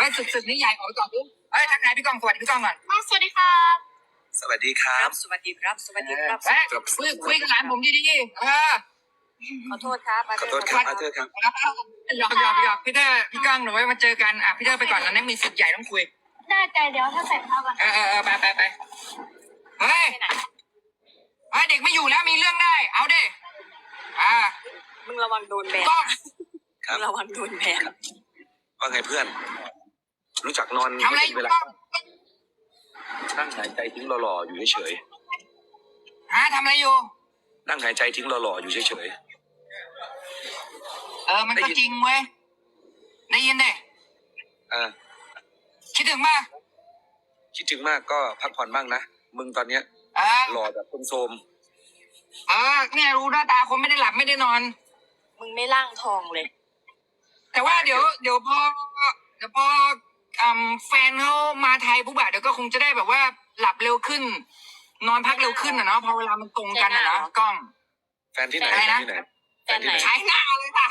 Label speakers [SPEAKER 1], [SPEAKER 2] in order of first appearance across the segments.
[SPEAKER 1] ฮ้ยศึกนี้ใหญ่ออกไปก่อนปุ๊บเฮ้ยทักทายพี่กองสวัสดีพี่กองก่อน
[SPEAKER 2] สวัสดีครับ
[SPEAKER 3] สวัสดีครับ
[SPEAKER 2] สวัสดีครับ สวัสดีครับ
[SPEAKER 1] เฮ้ยคุยกับหลานผมดีๆ
[SPEAKER 2] ขอโทษครับ
[SPEAKER 3] ขอโทษครับอาเธอร์ครับ
[SPEAKER 1] หยอกพี่เตอร์พี่ก้องหนูไว้มาเจอกันพี่เตอร์ไปก่อนนะเนี่ยมีศึกใหญ่ต้องคุย
[SPEAKER 2] ได้ใจเดี๋ยวถ้าใส่ผ้าก่อน
[SPEAKER 1] ไปเฮ้ยเด็กไม่อยู่แล้วมีเรื่องได้เอาดิ
[SPEAKER 2] มึงระวังโดนแบน
[SPEAKER 1] ก้อง
[SPEAKER 3] ครับ
[SPEAKER 2] มึงระวังโดนแบน
[SPEAKER 3] ว่าไงเพื่อน รู้จักนอน
[SPEAKER 1] ทำอะไรอ
[SPEAKER 3] เว
[SPEAKER 1] ยู่
[SPEAKER 3] ลา
[SPEAKER 1] ก้อง
[SPEAKER 3] นั่งหายใจทิ้งหล่อๆอยู่เฉย
[SPEAKER 1] ทำอะไรอยู่
[SPEAKER 3] ๆนั่งหายใจทิ้งหล่อๆอยู่เฉย
[SPEAKER 1] มันก็จริงเว้ยได้ยินดิ
[SPEAKER 3] ๆ
[SPEAKER 1] คิดถึงป่ะ
[SPEAKER 3] คิดถึงมากก็พักผ่อนบ้างนะมึงตอนเนี้ยหล่อแบบโทรม
[SPEAKER 1] เนี่ยรู้หน้าตาคนไม่ได้หลับไม่ได้นอน
[SPEAKER 2] มึงไม่ล่างทองเลย
[SPEAKER 1] แต่ว่าเดี๋ยวพอแฟนเขามาไทยปุ๊บอะเดี๋ยวก็คงจะได้แบบว่าหลับเร็วขึ้น นอนพักเร็วขึ้นอะเนาะพอเวลามันตรงกันอะเนาะกล้อง
[SPEAKER 3] ๆแฟนที่ไหน
[SPEAKER 1] อะไรนะ
[SPEAKER 3] แฟนที่ไหน
[SPEAKER 1] ใช้หน้าเลยป่ะ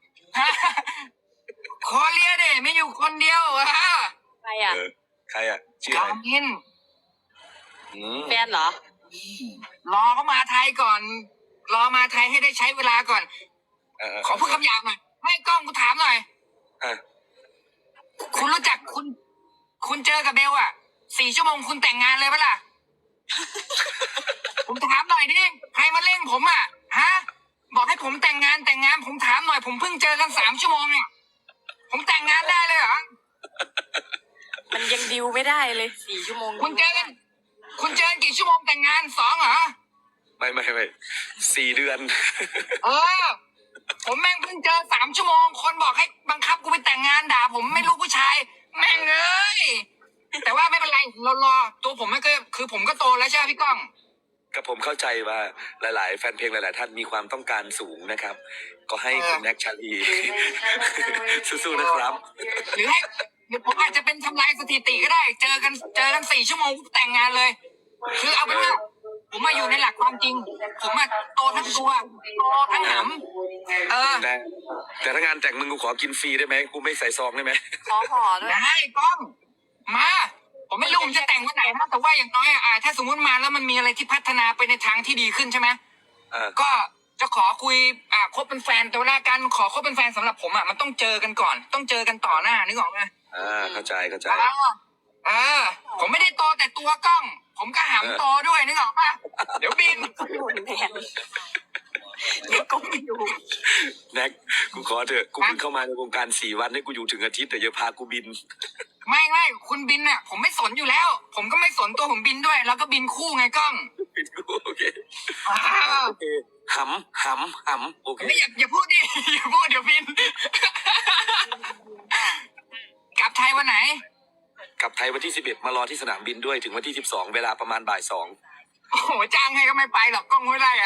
[SPEAKER 1] ขอเลียเด้ไม่อยู่คนเดียว
[SPEAKER 2] ใครอ่ะ
[SPEAKER 3] ใครอ่ะชื่อ
[SPEAKER 1] จา
[SPEAKER 3] อะไร
[SPEAKER 1] มิน
[SPEAKER 2] แฟนเหรอ
[SPEAKER 1] รอเขามาไทยก่อน รอมาไทยให้ได้ใช้เวลาก่อน ขอพูดคำหยาบหน่อยให้กล้องกูถามหน่อย คุณรู้จักคุณเจอกับเบลอะ4 ชั่วโมงคุณแต่งงานเลยปะล่ะ ผมถามหน่อยดิใครมาเล่นผมอะบอกให้ผมแต่งงานผมถามหน่อยผมเพิ่งเจอกัน3 ชั่วโมงเนี่ยผมแต่งงานได้เลยเหรอ
[SPEAKER 2] มันยังดิวไม่ได้เลย4 ชั่วโมง
[SPEAKER 1] คุณเจอกันกี่ชั่วโมงแต่งงาน2เหรอ
[SPEAKER 3] ไม่4 เดือน
[SPEAKER 1] ผมแม่งเพิ่งเจอ3 ชั่วโมงคนบอกให้บังคับกูไปแต่งงานด่าผมไม่รู้ผู้ชายแม่งเอ้ยแต่ว่าไม่เป็นไรเรารอตัวผมไม่ก็คือผมก็โตแล้วใช่ไหมพี่ก้อง
[SPEAKER 3] กับผมเข้าใจว่าหลายๆแฟนเพลงหลายๆท่านมีความต้องการสูงนะครับ ก็ให้คุณแน็กชาลีสู้ๆนะครับ
[SPEAKER 1] หรือผมอาจจะเป็นทำลายสถิติก็ได้ เจอกัน4 ชั่วโมงแต่งงานเลย คือเอาเป็นว่าผมมาอยู่ในหลักความจริง ผมมาโตทั้งตัวโตทั้งหำ
[SPEAKER 3] แต่ถ้างานแต่งมึงกูขอกินฟรีได้ไหมกูไม่ใส่ซองได้ไหม
[SPEAKER 2] ขอห่อด้วย
[SPEAKER 1] ได้ก้องมาผมไม่รู้ผมจะแต่งวันไหนนะแต่ว่าอย่างน้อยถ้าสมมติมาแล้วมันมีอะไรที่พัฒนาไปในทางที่ดีขึ้นใช่ไหมก็จะขอคุยคบเป็นแฟนแต่เวลาการขอคบเป็นแฟนสำหรับผมมันต้องเจอกันก่อนต้องเจอกันต่อหน้านึกออกไหม
[SPEAKER 3] เข้าใจ
[SPEAKER 1] ผมไม่ได้โตแต่ตัวกล้อง ผมก็หำโตด้วยนึกออกป่ะเดี๋ยวบิน
[SPEAKER 2] โดนแบนเดี๋ยวก็ไม่อยู่
[SPEAKER 3] แน็กกูขอเถอะกูเพิ่งเข้ามาในวงการ4 วันให้กูอยู่ถึงอาทิตย์แต่อย่าพากูบิน
[SPEAKER 1] ไม่คุณบินผมไม่สนอยู่แล้ว ผมก็ไม่สนตัวผมบินด้วยแล้วก็บินคู่ไงกล้อง
[SPEAKER 3] บินกูโอเคหำโอเค
[SPEAKER 1] ไม่อย่าพูดดิ อย่าพูดเดี๋ยวบิน กลับไทยวันไหน
[SPEAKER 3] กลับไทยวันที่11มารอที่สนามบินด้วยถึงวันที่12เวลาประมาณบ่าย 2
[SPEAKER 1] โอ้โหจ้างให้ก็ไม่ไปหรอกกล้องไม่ได้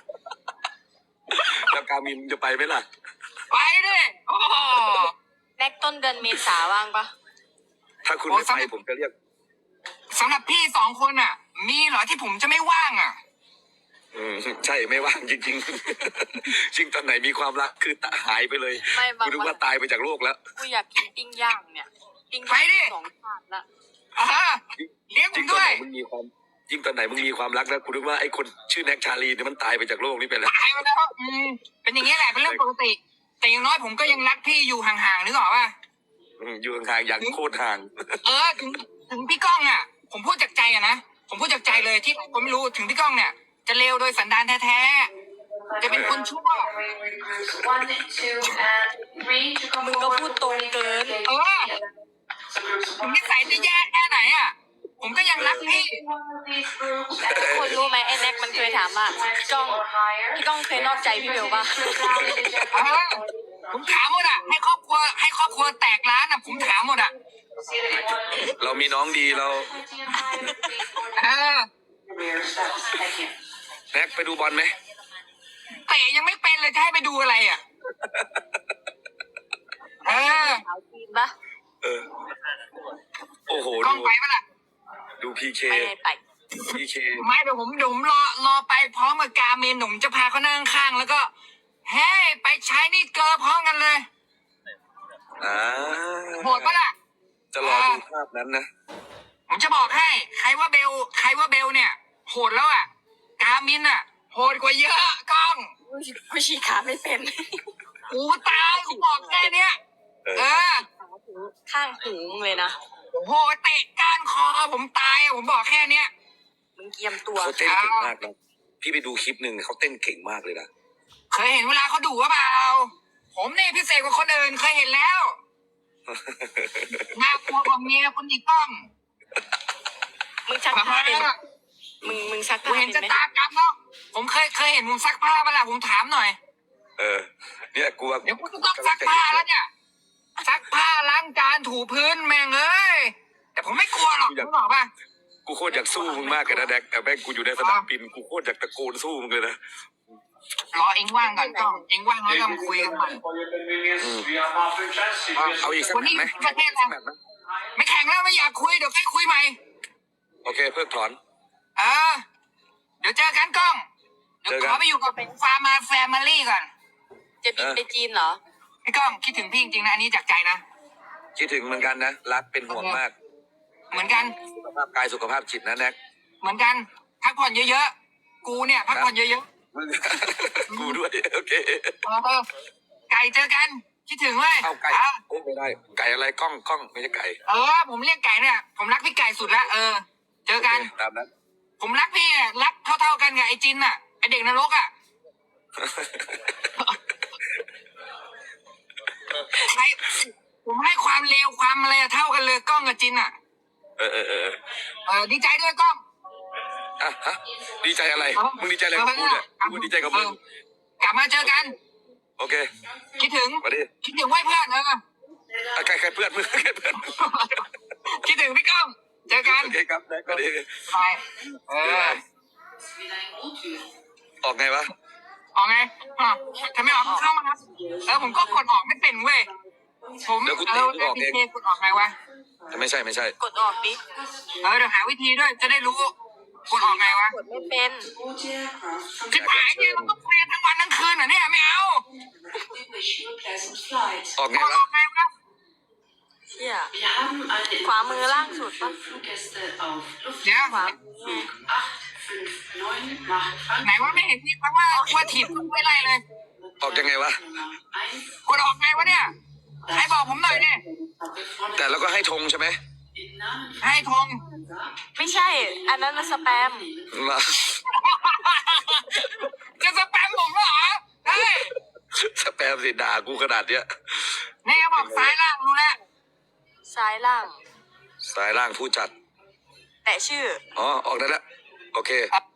[SPEAKER 3] แล้วกามินจะไปไหมล่ะ
[SPEAKER 1] ไปดิโอ้โห
[SPEAKER 2] แน็กต้นเดือนเมษาว่างปะ
[SPEAKER 3] ถ้าคุณไม่ไปผมจะเรียก
[SPEAKER 1] สำหรับพี่2 คนมีเหรอที่ผมจะไม่ว่าง
[SPEAKER 3] ใช่ไม่ว่างจริงๆ จริงตอนไหนมีความรักคือหายไปเลยกูนึกว่าตายไปจากโลกแล้ว
[SPEAKER 2] กูอยากกินปิ้งย่างเนี่ยปิ้งย่าง2 ชาติละ
[SPEAKER 1] เลี้ยงผ
[SPEAKER 3] จริ
[SPEAKER 1] ม
[SPEAKER 3] งตอน
[SPEAKER 1] ด้ว
[SPEAKER 3] ไห
[SPEAKER 1] ย
[SPEAKER 3] นมึงมีความยิ่งตอนไหนมึงมีความรักแล้วกูนึกว่าไอ้คนชื่อแน็กชาลีเนี่ยมันตายไปจากโลกนี้ไปแล้ว
[SPEAKER 1] ตายไปแล้วเป็นอย่างนี้แหละเป็นเรื่องปกติ แต่อย่างน้อยผมก็ยังรักพี่อยู่ห่างๆนึกออกป่ะ
[SPEAKER 3] อยู่ห่างๆอย่างโคตรห่าง
[SPEAKER 1] ถึงพี่ก้องผมพูดจากใจนะผมพูดจากใจเลยที่ผมไม่รู้ถึงพี่ก้องเนี่ยจะเลวโดยสันดานแท้ๆจะเป็นคนชั่ว
[SPEAKER 2] มึงก็พูดตรงเกิน
[SPEAKER 1] ผมนิสัยจะแย่แค่ไหนผมก็ยังรักพี่
[SPEAKER 2] ทุกคนรู้ไหมไอ้แน็กมันเคยถามว่าพี่ก้องเคยนอกใจพี่เบลปะ
[SPEAKER 1] ผมถามหมดให้ครอบครัวแตกร้านผมถามหมด
[SPEAKER 3] เรามีน้องดีเราแน็กไปดูบอลไหม
[SPEAKER 1] เตะยังไม่เป็นเลยจะให้ไปดูอะไร
[SPEAKER 2] สาวจีนปะ
[SPEAKER 3] โอ้โห
[SPEAKER 1] กล้องไปปะล่ะ
[SPEAKER 3] ดูพีเค
[SPEAKER 2] ไป
[SPEAKER 1] ไม่เดี๋ยวผมรอไปพร้อมกับกาเมนผมจะพาเขานั่งข้างแล้วก็เฮ้ไปใช้นี่เกอร์พร้อมกันเลยโหดปะล่ะ
[SPEAKER 3] นั้นนะ
[SPEAKER 1] ผมจะบอกให้ใครว่าเบลเนี่ยโหดแล้วอ่ะกามินอ่ะโหดกว่าเยอะกล้อง
[SPEAKER 2] ผู้ชี้ขาไม่เป็น
[SPEAKER 1] หูตายกูบอกแค่เนี้ยเออ
[SPEAKER 2] ข้างหูมึงเลยนะ
[SPEAKER 1] โอ้โหเตะก้านคอผมตายอะผมบอกแค่เนี้ย
[SPEAKER 2] มึงเกียมตัว
[SPEAKER 3] เขาเต้นเก่งมากนะพี่ไปดูคลิปหนึ่งเขาเต้นเก่งมากเลยนะ
[SPEAKER 1] เคยเห็นเวลาเขาดุว่าเปล่าผมนี่พิเศษกว่าคนอื่นเคยเห็นแล้วน่ากลัวกว่าเมียคุณอีกกล้อง
[SPEAKER 2] มึงชักผ้าเป็นมึงชัก
[SPEAKER 1] กู
[SPEAKER 2] ผ้า
[SPEAKER 1] เห็น
[SPEAKER 2] เป็
[SPEAKER 1] จะ
[SPEAKER 2] นไหม
[SPEAKER 1] ตากรรมแล้วผมเคยเห็นมึงซักผ้าเปะล่าผมถามหน่อย
[SPEAKER 3] เนี่ยกูว่า
[SPEAKER 1] เดี๋ยวกูจะต้องซักผ้าแล้วเนี่ยซักผ้าล้างจานถูพื้นแม่งเอ้ยแต่ผมไม่กลัวหรอกมึงบอกป่ะ
[SPEAKER 3] กูโคตรอยากสู้มึงมากเลยนะแดกแต่แม่งกูอยู่ในสนามบินกูโคตรอยากตะโกนสู้มึงเลยนะ
[SPEAKER 1] รอเองว่างก่อนกล้องเองว่างแล้วก็มาคุยกันใหม่
[SPEAKER 3] เอาอีกสัก
[SPEAKER 1] วัน
[SPEAKER 3] แมต
[SPEAKER 1] นี้
[SPEAKER 3] ช์ไหม
[SPEAKER 1] ประเทศ
[SPEAKER 3] สัก
[SPEAKER 1] อะไร
[SPEAKER 3] แมตช์ไหม
[SPEAKER 1] ไม่แข่งแล้วไม่อยากคุยเดี๋ยวให้คุยใหม่
[SPEAKER 3] โอเคเพิกถอน
[SPEAKER 1] เดี๋ยวเจอกันกล้องเดี๋ยวขอไปอยู่กับฟาร์มาแฟมิลี่ก่อน
[SPEAKER 2] จะบินไปจีนเหรอ
[SPEAKER 1] พี่ก้องคิดถึงพี่จริงๆนะอันนี้จากใจนะ
[SPEAKER 3] คิดถึงเหมือนกันนะรักเป็นห่วงมาก
[SPEAKER 1] เหมือนกัน
[SPEAKER 3] สุขภาพกายสุขภาพจิตนะแน็ก
[SPEAKER 1] เหมือนกันพักผ่อนเยอะๆกูเนี่ยพักผ่อนเยอะ
[SPEAKER 3] มึง กูด้วยโอเค
[SPEAKER 1] ๆไก่เจอกันคิดถึงเลย
[SPEAKER 3] เอาไก่โอ้ไม่ได้ไก่อะไรกล้องไม่ใช่ไก่
[SPEAKER 1] ผมเรียกไก่เนี่ยผมรักพี่ไก่สุดละเจอกัน
[SPEAKER 3] โอเคตามนั้น
[SPEAKER 1] ผมรักพี่อะรักเท่าๆกันกับไอ้จินอ่ะไอ้เด็กนรกอ่ะใครผมให้ความเลวความอะไรอะเท่ากันเลยกล้องกับจินอ่ะ ดีใจด้วยกล้อง
[SPEAKER 3] อ่ะฮะดีใจอะไรมึงดีใจอะไรกับกูเนี่ยกูดีใจกับมึง
[SPEAKER 1] กลับมาเจอกัน
[SPEAKER 3] โอเค
[SPEAKER 1] คิดถึง
[SPEAKER 3] มาดิ
[SPEAKER 1] คิดถึงไว้เพื่อน
[SPEAKER 3] ใครเพื่อนมึงใครเพื่อน
[SPEAKER 1] คิดถึงพี่ก้องเจอกัน
[SPEAKER 3] โอเคครับได้ก็ดี
[SPEAKER 1] ไป
[SPEAKER 3] ออกไงวะ
[SPEAKER 1] ออกไงถ้าไม่ออกเข้ามาครับผมก็กดออกไม่เป็นเว้ยผม
[SPEAKER 3] เดี๋ยวกูตีมึงออกเอง
[SPEAKER 1] กดออกไงวะ
[SPEAKER 3] ไม่ใช่
[SPEAKER 2] กดออกดิ
[SPEAKER 1] เดี๋ยวหาวิธีด้วยจะได้รู้กดออกไงวะ
[SPEAKER 2] กดไม่เป็น
[SPEAKER 1] ที่ผายเนี่ยมันต้องคุยกันทั้งวันทั้งคืนเหรอเนี่ยไม่เอา
[SPEAKER 3] ออกไง
[SPEAKER 1] กดอ
[SPEAKER 3] วะ
[SPEAKER 1] อกไงวะ
[SPEAKER 2] เชี่ยขวามือล่างสุดปะ
[SPEAKER 1] เดี๋ยว
[SPEAKER 2] ขวามือ
[SPEAKER 1] ไหนว่าไม่เห็นพี่เพราะว่าถีบไม่ไล่เลย
[SPEAKER 3] ออกยังไงวะ
[SPEAKER 1] กดออกไงวะเนี่ยให้บอกผมหน่อยดิ
[SPEAKER 3] แต่แล้วก็ให้ธงใช่ไหม
[SPEAKER 1] ให้ทง
[SPEAKER 2] ไม่ใช่ อันนั้นมันสแปม
[SPEAKER 3] มา
[SPEAKER 1] จะสแปมผมเหรอเฮ้ย
[SPEAKER 3] สแปมสิด่ากูขนาดเนี้ย
[SPEAKER 1] แน่บอกซ้ายล่างรู้แล้ว
[SPEAKER 2] ซ้ายล่าง
[SPEAKER 3] สายล่างผู้จัด
[SPEAKER 2] แต่ชื่อ
[SPEAKER 3] อ๋อออกได้แล้วโอเค
[SPEAKER 1] ครับ